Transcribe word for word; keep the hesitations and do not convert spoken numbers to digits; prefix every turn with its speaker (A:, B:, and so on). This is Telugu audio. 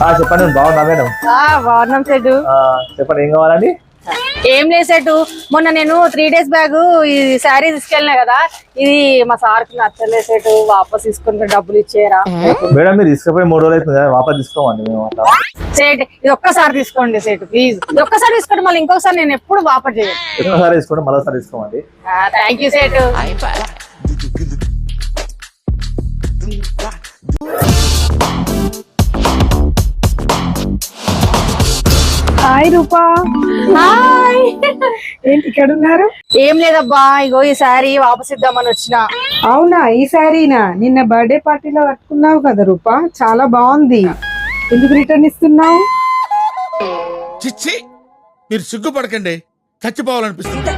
A: చెప్పండి బాగున్నా మేడం.
B: బాగున్నాం సెటు.
A: చెప్పండి ఏం కావాలండి?
B: ఏం లేదు సెటు, మొన్న నేను త్రీ డేస్ బ్యాగ్ ఈ శారీ తీసుకెళ్ళినా కదా, ఇది మా సార్కి నచ్చలేదు సెటు, వాపస్ తీసుకుంటే డబ్బులు ఇచ్చేయరా?
A: మేడం మీరు తీసుకుపోయి మూడు రోజులు అవుతుంది కదా, వాపస్ తీసుకోమండి మేము అట్లా.
B: సెట్ ఇది ఒక్కసారి తీసుకోండి సెట్, ప్లీజ్ ఇది ఒక్కసారి తీసుకోండి, మళ్ళీ ఇంకొకసారి నేను ఎప్పుడు వాపస్ చేయను.
A: ఒక్కసారి తీసుకోండి, మరోసారి తీసుకోమండి.
B: థ్యాంక్ యూ సెట్.
C: హాయ్ రూపా.
B: హాయ్.
C: ఏంటి ఇక్కడ ఉన్నారు?
B: ఏం లేదబ్బా, ఇగో ఈ శారీ వాపస్ ఇద్దామని వచ్చిన.
C: అవునా, ఈ శారీనా? నిన్న బర్త్డే పార్టీలో కట్టుకున్నావు కదా రూపా, చాలా బాగుంది. ఎందుకు రిటర్న్ ఇస్తున్నావు?
D: చిచ్చి, మీరు సిగ్గుపడకండి, చచ్చిపోవాలనిపిస్తుంది.